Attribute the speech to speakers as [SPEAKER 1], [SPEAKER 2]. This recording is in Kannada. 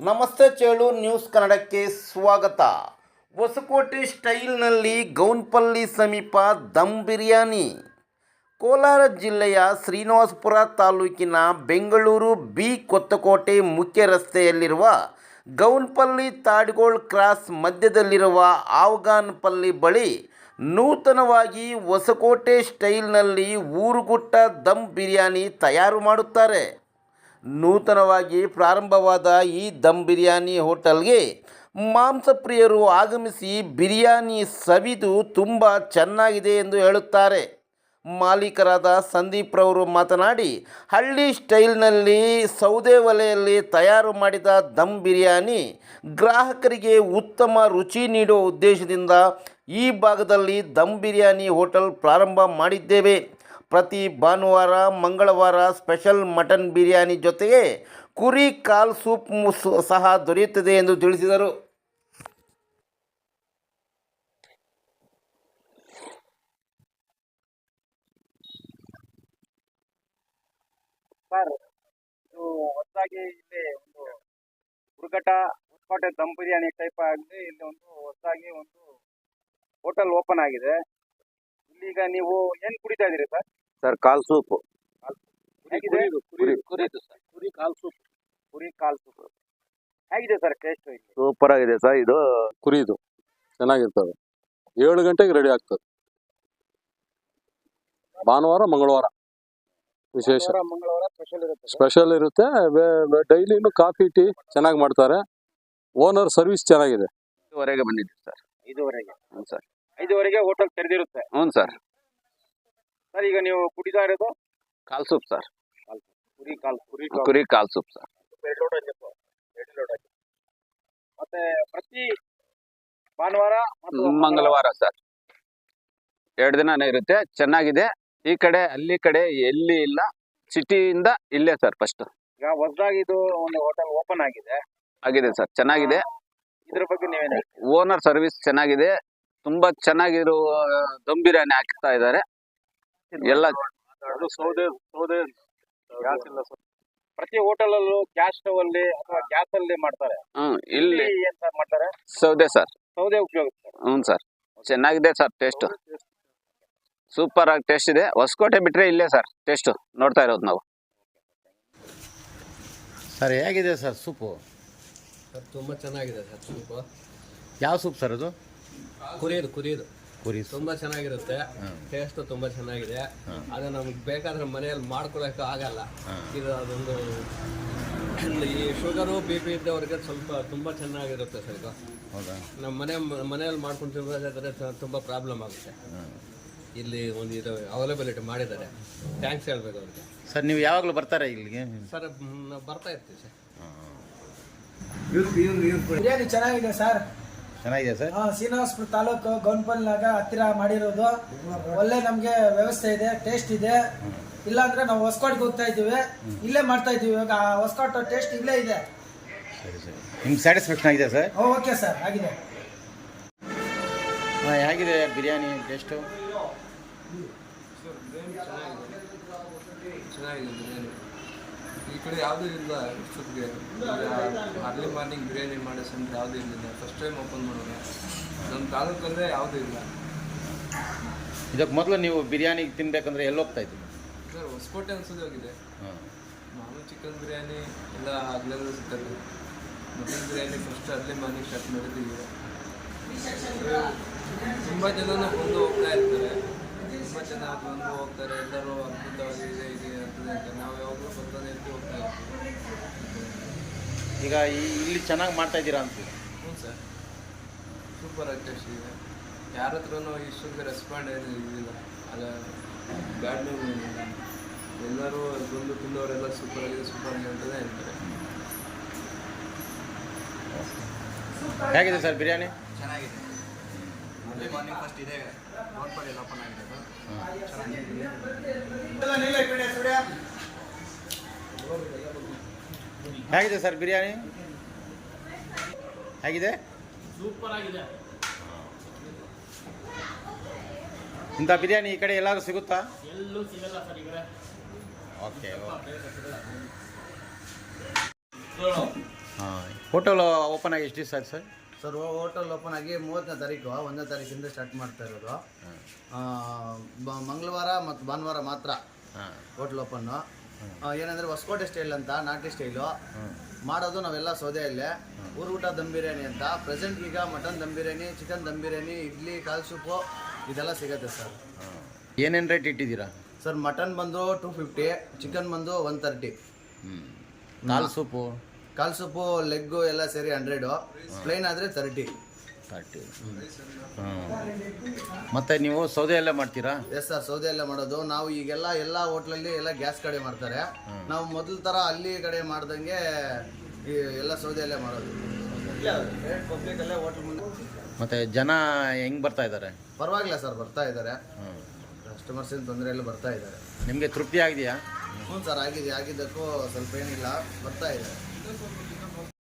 [SPEAKER 1] ನಮಸ್ತೆ ಚೇಳು ನ್ಯೂಸ್ ಕನ್ನಡಕ್ಕೆ ಸ್ವಾಗತ. ಹೊಸಕೋಟೆ ಸ್ಟೈಲ್ನಲ್ಲಿ ಗೌನ್ಪಲ್ಲಿ ಸಮೀಪ ದಮ್ ಬಿರಿಯಾನಿ. ಕೋಲಾರ ಜಿಲ್ಲೆಯ ಶ್ರೀನಿವಾಸಪುರ ತಾಲೂಕಿನ ಬೆಂಗಳೂರು ಬಿ ಕೊತ್ತಕೋಟೆ ಮುಖ್ಯ ರಸ್ತೆಯಲ್ಲಿರುವ ಗೌನ್ಪಲ್ಲಿ ತಾಡ್ಗೋಳ್ ಕ್ರಾಸ್ ಮಧ್ಯದಲ್ಲಿರುವ ಆವಗಾನಪಲ್ಲಿ ಬಳಿ ನೂತನವಾಗಿ ಹೊಸಕೋಟೆ ಸ್ಟೈಲ್ನಲ್ಲಿ ಊರುಗುಟ್ಟ ದಮ್ ಬಿರಿಯಾನಿ ತಯಾರು ಮಾಡುತ್ತಾರೆ. ನೂತನವಾಗಿ ಪ್ರಾರಂಭವಾದ ಈ ದಮ್ ಬಿರಿಯಾನಿ ಹೋಟೆಲ್ಗೆ ಮಾಂಸಪ್ರಿಯರು ಆಗಮಿಸಿ ಬಿರಿಯಾನಿ ಸವಿದು ತುಂಬ ಚೆನ್ನಾಗಿದೆ ಎಂದು ಹೇಳುತ್ತಾರೆ. ಮಾಲೀಕರಾದ ಸಂದೀಪ್ ರವರು ಮಾತನಾಡಿ, ಹಳ್ಳಿ ಸ್ಟೈಲ್ನಲ್ಲಿ ಸೌದೆ ಒಲೆಯಲ್ಲಿ ತಯಾರು ಮಾಡಿದ ದಮ್ ಬಿರಿಯಾನಿ ಗ್ರಾಹಕರಿಗೆ ಉತ್ತಮ ರುಚಿ ನೀಡುವ ಉದ್ದೇಶದಿಂದ ಈ ಭಾಗದಲ್ಲಿ ದಮ್ ಬಿರಿಯಾನಿ ಹೋಟೆಲ್ ಪ್ರಾರಂಭ ಮಾಡಿದ್ದೇವೆ. ಪ್ರತಿ ಭಾನುವಾರ ಮಂಗಳವಾರ ಸ್ಪೆಷಲ್ ಮಟನ್ ಬಿರಿಯಾನಿ ಜೊತೆಗೆ ಕುರಿ ಕಾಲ್ ಸೂಪ್ ಸಹ ದೊರೆಯುತ್ತದೆ ಎಂದು ತಿಳಿಸಿದರು.
[SPEAKER 2] ಸರ್, ಇದು ಹೊಸದಾಗಿ ಇಲ್ಲಿ ಒಂದು ಹುಡುಗಟ ಹೊಸಕೋಟೆ ದಮ್ ಬಿರಿಯಾನಿ ಟೈಪ್ ಆಗಿ ಇಲ್ಲಿ ಒಂದು ಹೊಸದಾಗಿ ಒಂದು ಹೋಟೆಲ್ ಓಪನ್ ಆಗಿದೆ. ಇಲ್ಲಿಗ ನೀವು ಏನ್ ಕುಡಿತಾ ಇದೀರಿ ಸರ್?
[SPEAKER 3] ಸರ್, ಕಾಲ್ ಸೂಪ್.
[SPEAKER 2] ಹೇಗಿದೆ?
[SPEAKER 3] ಕುರಿ ಕಾಲ್ ಸೂಪ್.
[SPEAKER 2] ಕುರಿ ಕಾಲ್ ಸೂಪ್ ಹೇಗಿದೆ ಸರ್ ಟೇಸ್ಟ್? ಇಲ್ಲಿ
[SPEAKER 3] ಸೂಪರ್ ಆಗಿದೆ ಸರ್. ಇದು ಕುರಿದು ಚೆನ್ನಾಗಿರ್ತದೆ. 7 ಗಂಟೆಗೆ ರೆಡಿ ಆಗ್ತದೆ. ಭಾನುವಾರ ಮಂಗಳವಾರ ವಿಶೇಷ,
[SPEAKER 2] ಮಂಗಳವಾರ
[SPEAKER 3] ಸ್ಪೆಷಲ್ ಇರುತ್ತೆ. ಡೈಲಿನು ಕಾಫಿ ಟೀ ಚೆನ್ನಾಗಿ ಮಾಡ್ತಾರೆ. ಓನರ್ ಸರ್ವಿಸ್ ಚೆನ್ನಾಗಿದೆ.
[SPEAKER 4] 5:15 ಬಂದಿದ್ದೀವಿ ಸರ್.
[SPEAKER 2] 5:15.
[SPEAKER 4] ಹ್ಞೂ ಸರ್.
[SPEAKER 2] 5:15 ಹೋಟೆಲ್ ತೆರೆದಿರುತ್ತೆ.
[SPEAKER 4] ಹ್ಞೂ ಸರ್.
[SPEAKER 2] ಸರ್, ಈಗ ನೀವು ಕುಡಿತಾ ಇರೋದು
[SPEAKER 4] ಕಾಲ್ ಸೂಪ್ ಸರ್.
[SPEAKER 2] ಕುರಿ
[SPEAKER 4] ಕಾಲ್ ಸೂಪ್ ಸರ್.
[SPEAKER 2] ಮತ್ತೆ ಪ್ರತಿ ಭಾನುವಾರ ಮತ್ತು
[SPEAKER 4] ಮಂಗಳವಾರ ಸರ್. 2 ದಿನನೇ ಇರುತ್ತೆ. ಚೆನ್ನಾಗಿದೆ. ಈ ಕಡೆ ಅಲ್ಲಿ ಕಡೆ ಎಲ್ಲಿ ಇಲ್ಲ. ಸಿಟಿಯಿಂದ ಇಲ್ಲೇ ಸರ್ ಫಸ್ಟ್
[SPEAKER 2] ಈಗ ಹೊಸದಾಗಿ ಇದು ಒಂದು ಹೋಟೆಲ್ ಓಪನ್ ಆಗಿದೆ
[SPEAKER 4] ಸರ್. ಚೆನ್ನಾಗಿದೆ.
[SPEAKER 2] ಇದ್ರ ಬಗ್ಗೆ ನೀವೇನು?
[SPEAKER 4] ಓನರ್ ಸರ್ವಿಸ್ ಚೆನ್ನಾಗಿದೆ. ತುಂಬಾ ಚೆನ್ನಾಗಿರುವ ದಮ್ ಬಿರಿಯಾನಿ ಹಾಕ್ತಾ ಇದ್ದಾರೆ. ಎಲ್ಲ
[SPEAKER 2] ಪ್ರತಿ ಹೋಟೆಲ್ ಅಲ್ಲೂ ಗ್ಯಾಸ್ ಸ್ಟವ್ ಅಲ್ಲಿ ಅಥವಾ ಗ್ಯಾಸ್ ಅಲ್ಲಿ ಮಾಡ್ತಾರೆ.
[SPEAKER 4] ಇಲ್ಲಿ
[SPEAKER 2] ಏನ್ ಸರ್ ಮಾಡ್ತಾರೆ?
[SPEAKER 4] ಸೌದೆ ಸರ್.
[SPEAKER 2] ಸೌದೆ ಉಪಯೋಗಿಸ್ತಾರೆ.
[SPEAKER 4] ಹ್ಞೂ ಸರ್. ಚೆನ್ನಾಗಿದೆ ಸರ್. ಟೇಸ್ಟ್ ಸೂಪರ್ ಆಗಿ ಟೇಸ್ಟ್ ಇದೆ. ಹೊಸಕೋಟೆ ಬಿಟ್ರೆ ಇಲ್ಲೇ ಸರ್ ಟೇಸ್ಟ್ ನೋಡ್ತಾ ಇರೋದು ನಾವು.
[SPEAKER 1] ಸರ್, ಹೇಗಿದೆ ಸರ್ ಸೂಪು?
[SPEAKER 5] ಸರ್, ತುಂಬ ಚೆನ್ನಾಗಿದೆ ಸರ್ ಸೂಪು.
[SPEAKER 1] ಯಾವ ಸೂಪ್ ಸರ್ ಅದು?
[SPEAKER 5] ಕುರಿದು
[SPEAKER 1] ಕುರಿ
[SPEAKER 5] ತುಂಬ ಚೆನ್ನಾಗಿರುತ್ತೆ. ಟೇಸ್ಟು ತುಂಬ ಚೆನ್ನಾಗಿದೆ. ಅದು ನಮ್ಗೆ ಬೇಕಾದ್ರೆ ಮನೆಯಲ್ಲಿ ಮಾಡ್ಕೊಳಕ್ಕೆ ಆಗಲ್ಲ. ಇದು ಅದೊಂದು ಈ ಶುಗರು BP ಇದ್ದವ್ರಿಗೆ ಸ್ವಲ್ಪ ತುಂಬ ಚೆನ್ನಾಗಿರುತ್ತೆ ಸರ್. ಇದು ನಮ್ಮ ಮನೆಯಲ್ಲಿ ಮಾಡ್ಕೊಂಡು ತಿನ್ನೋದಾದ್ರೆ ತುಂಬ ಪ್ರಾಬ್ಲಮ್ ಆಗುತ್ತೆ. ಇಲ್ಲಿ ಒಂದು ಇದು ಅವೈಲಬಿಲಿಟಿ ಮಾಡಿದ್ದಾರೆ. ಥ್ಯಾಂಕ್ಸ್ ಹೇಳ್ಬೇಕು ಅವ್ರಿಗೆ.
[SPEAKER 1] ಸರ್, ನೀವು ಯಾವಾಗಲೂ ಬರ್ತಾರೆ ಇಲ್ಲಿಗೆ?
[SPEAKER 5] ಸರ್, ನಾವು ಬರ್ತಾ ಇರ್ತೀವಿ ಸರ್.
[SPEAKER 6] ಬಿರಿಯಾನಿ ಚೆನ್ನಾಗಿದೆ ಸರ್.
[SPEAKER 1] ಚೆನ್ನಾಗಿದೆ ಸರ್.
[SPEAKER 6] ಶ್ರೀನಿವಾಸಪುರ ತಾಲೂಕು ಗೌನ್ಪಲ್ನಾಗ ಹತ್ತಿರ ಮಾಡಿರೋದು. ಒಳ್ಳೆ ನಮಗೆ ವ್ಯವಸ್ಥೆ ಇದೆ, ಟೇಸ್ಟ್ ಇದೆ. ಇಲ್ಲಾಂದ್ರೆ ನಾವು ಹೊಸಕೋಟೆಗೆ ಹೋಗ್ತಾ ಇದ್ದೀವಿ, ಇಲ್ಲೇ ಮಾಡ್ತಾ ಇದ್ದೀವಿ. ಇವಾಗ ಹೊಸಕೋಟೆ ಟೇಸ್ಟ್ ಇಲ್ಲೇ ಇದೆ.
[SPEAKER 1] ಸರಿ ಸರಿ. ನಿಮ್ಗೆ ಸ್ಯಾಟಿಸ್ಫ್ಯಾಕ್ಷನ್ ಆಗಿದೆ ಸರ್?
[SPEAKER 6] ಓಕೆ ಸರ್, ಆಗಿದೆ.
[SPEAKER 1] ಹೇಗಿದೆ ಬಿರಿಯಾನಿ ಟೇಸ್ಟು?
[SPEAKER 7] ಚೆನ್ನಾಗಿದೆ ಬಿರಿಯಾನಿ. ಈ ಕಡೆ ಯಾವುದೂ ಇಲ್ಲ. ಇಷ್ಟೊತ್ತಿಗೆ ಅರ್ಲಿ ಮಾರ್ನಿಂಗ್ ಬಿರಿಯಾನಿ ಮಾಡೋ ಸಂತ ಯಾವುದೂ ಇರಲಿಲ್ಲ. ಫಸ್ಟ್ ಟೈಮ್ ಓಪನ್ ಮಾಡೋಣ. ನಮ್ಮ ತಾಲೂಕಲ್ಲೇ ಯಾವುದೂ ಇಲ್ಲ.
[SPEAKER 1] ಇದಕ್ಕೆ ಮೊದಲು ನೀವು ಬಿರಿಯಾನಿ ತಿನ್ಬೇಕಂದ್ರೆ ಎಲ್ಲಿ ಹೋಗ್ತಾ ಇದ್ದೀವಿ
[SPEAKER 7] ಸರ್? ಹೊಸಕೋಟೆ ಅನ್ಸೋದು ಹೋಗಿದೆ. ಮಾಮೂಲು ಚಿಕನ್ ಬಿರಿಯಾನಿ ಎಲ್ಲ ಹಗಲೆಲ್ಲ ಸಿಗ್ತದೆ. Mutton biryani first early morning start ಮಾಡಿದ್ದೀವಿ. ತುಂಬ ಜನನೂ ಬಂದು ಹೋಗ್ತಾ ಇರ್ತಾರೆ. ತುಂಬ ಜನ ಬಂದು ಹೋಗ್ತಾರೆ. ಎಲ್ಲರೂ ಅದ್ಭುತವಾಗಿದೆ ಇದೆ ಅಂತದೆ ಅಂತ ನಾವು ಯಾವಾಗಲೂ ಬರ್ತಾನೆ ಇರ್ತೀವಿ, ಹೋಗ್ತಾ ಇರ್ತೀವಿ.
[SPEAKER 1] ಈಗ ಇಲ್ಲಿ ಚೆನ್ನಾಗಿ ಮಾಡ್ತಾ ಇದ್ದೀರಾ ಅಂತೀವಿ?
[SPEAKER 7] ಹ್ಞೂ ಸರ್, ಸೂಪರ್ ಆಗಿ ಟೇಸ್ಟ್ ಇದೆ. ಯಾರ ಹತ್ರನೂ ಇಷ್ಟೊಂದು ರೆಸ್ಪಾಂಡ್ ಏನು ಇದಿಲ್ಲ. ಅಲ್ಲ, ಬ್ಯಾಡ್ ನೇಮ್ ಏನಿಲ್ಲ. ಎಲ್ಲರೂ ಬಂದು ತಿನ್ನೋರೆಲ್ಲ ಸೂಪರ್ ಆಗಿದೆ ಅಂತಲೇ ಹೇಳ್ತಾರೆ.
[SPEAKER 1] ಹೇಗಿದೆ ಸರ್ ಬಿರಿಯಾನಿ?
[SPEAKER 2] ಚೆನ್ನಾಗಿದೆ. ಅರ್ಲಿ ಮಾರ್ನಿಂಗ್ ಫಸ್ಟ್ ಇದೆ ಗೌನ್ಪಲ್ಲಿ ಓಪನ್ ಆಗಿದೆ.
[SPEAKER 1] ಹೇಗಿದೆ ಸರ್ ಬಿರಿಯಾನಿ? ಹೇಗಿದೆ?
[SPEAKER 5] ಸೂಪರ್ ಆಗಿದೆ.
[SPEAKER 1] ಇಂಥ ಬಿರಿಯಾನಿ ಈ ಕಡೆ ಎಲ್ಲಾದ್ರೂ ಸಿಗುತ್ತಾ?
[SPEAKER 5] ಎಲ್ಲೂ ಸಿಗಲ್ಲ ಸರ್ ಈ ಕಡೆ.
[SPEAKER 1] ಓಕೆ. ಹಾಂ ಹೋಟೆಲ್ ಓಪನ್ ಆಗಿ ಎಷ್ಟು ದಿವಸ ಆಯ್ತು ಸರ್?
[SPEAKER 8] ಸರ್ ಹೋಟೆಲ್ ಓಪನ್ ಆಗಿ 30ನೇ ತಾರೀಕು 1ನೇ ತಾರೀಕಿಂದ ಸ್ಟಾರ್ಟ್ ಮಾಡ್ತಾ ಇರೋದು. ಮಂಗಳವಾರ ಮತ್ತು ಭಾನುವಾರ ಮಾತ್ರ ಹೋಟ್ಲ್ ಓಪನ್ನು. ಏನಂದರೆ ಹೊಸಕೋಟೆ ಸ್ಟೈಲ್ ಅಂತ, ನಾಟಿ ಸ್ಟೈಲು ಮಾಡೋದು ನಾವೆಲ್ಲ ಸೌದೆಯಲ್ಲೇ. ಊಟ ದಮ್ ಬಿರಿಯಾನಿ ಅಂತ ಪ್ರೆಸೆಂಟ್ ಈಗ ಮಟನ್ ದಮ್ ಬಿರಿಯಾನಿ, ಚಿಕನ್ ದಮ್ ಬಿರಿಯಾನಿ, ಇಡ್ಲಿ, ಕಾಲ್ ಸೂಪು ಇದೆಲ್ಲ ಸಿಗುತ್ತೆ ಸರ್.
[SPEAKER 1] ಏನೇನು ರೇಟ್ ಇಟ್ಟಿದ್ದೀರಾ
[SPEAKER 8] ಸರ್ ಮಟನ್ ಬಂದು 250, ಚಿಕನ್ ಬಂದು 130.
[SPEAKER 1] ಕಾಲ್ ಸೂಪು
[SPEAKER 8] ಕಾಲ್ ಸೂಪು ಲೆಗ್ಗು ಎಲ್ಲ ಸೇರಿ 100, ಪ್ಲೇನ್ ಆದರೆ 30.
[SPEAKER 1] ಮತ್ತು ನೀವು ಸೌದೆಯಲ್ಲೇ ಮಾಡ್ತೀರಾ?
[SPEAKER 8] ಎಸ್ ಸರ್, ಸೌದೆಯಲ್ಲೇ ಮಾಡೋದು ನಾವು. ಈಗೆಲ್ಲ ಎಲ್ಲ ಹೋಟ್ಲಲ್ಲಿ ಎಲ್ಲ ಗ್ಯಾಸ್ ಕಡೆ ಮಾಡ್ತಾರೆ. ನಾವು ಮೊದಲ ಥರ ಅಲ್ಲಿ ಕಡೆ ಮಾಡ್ದಂಗೆ ಎಲ್ಲ ಸೌದೆಯಲ್ಲೇ ಮಾಡೋದು. ಪಬ್ಲಿಕಲ್ಲೇ ಹೋಟ್ಲ್ ಮುಂದೆ.
[SPEAKER 1] ಮತ್ತು ಜನ ಹೆಂಗೆ ಬರ್ತಾ ಇದ್ದಾರೆ?
[SPEAKER 8] ಪರವಾಗಿಲ್ಲ ಸರ್, ಬರ್ತಾ ಇದ್ದಾರೆ. ಕಸ್ಟಮರ್ಸ್ ಏನು ತೊಂದರೆ ಇಲ್ಲ, ಬರ್ತಾ ಇದ್ದಾರೆ.
[SPEAKER 1] ನಿಮಗೆ ತೃಪ್ತಿ ಆಗಿದೆಯಾ?
[SPEAKER 8] ಹ್ಞೂ ಸರ್, ಆಗಿದ್ದಕ್ಕೂ ಸ್ವಲ್ಪ ಏನಿಲ್ಲ, ಬರ್ತಾ ಇದ್ದಾರೆ.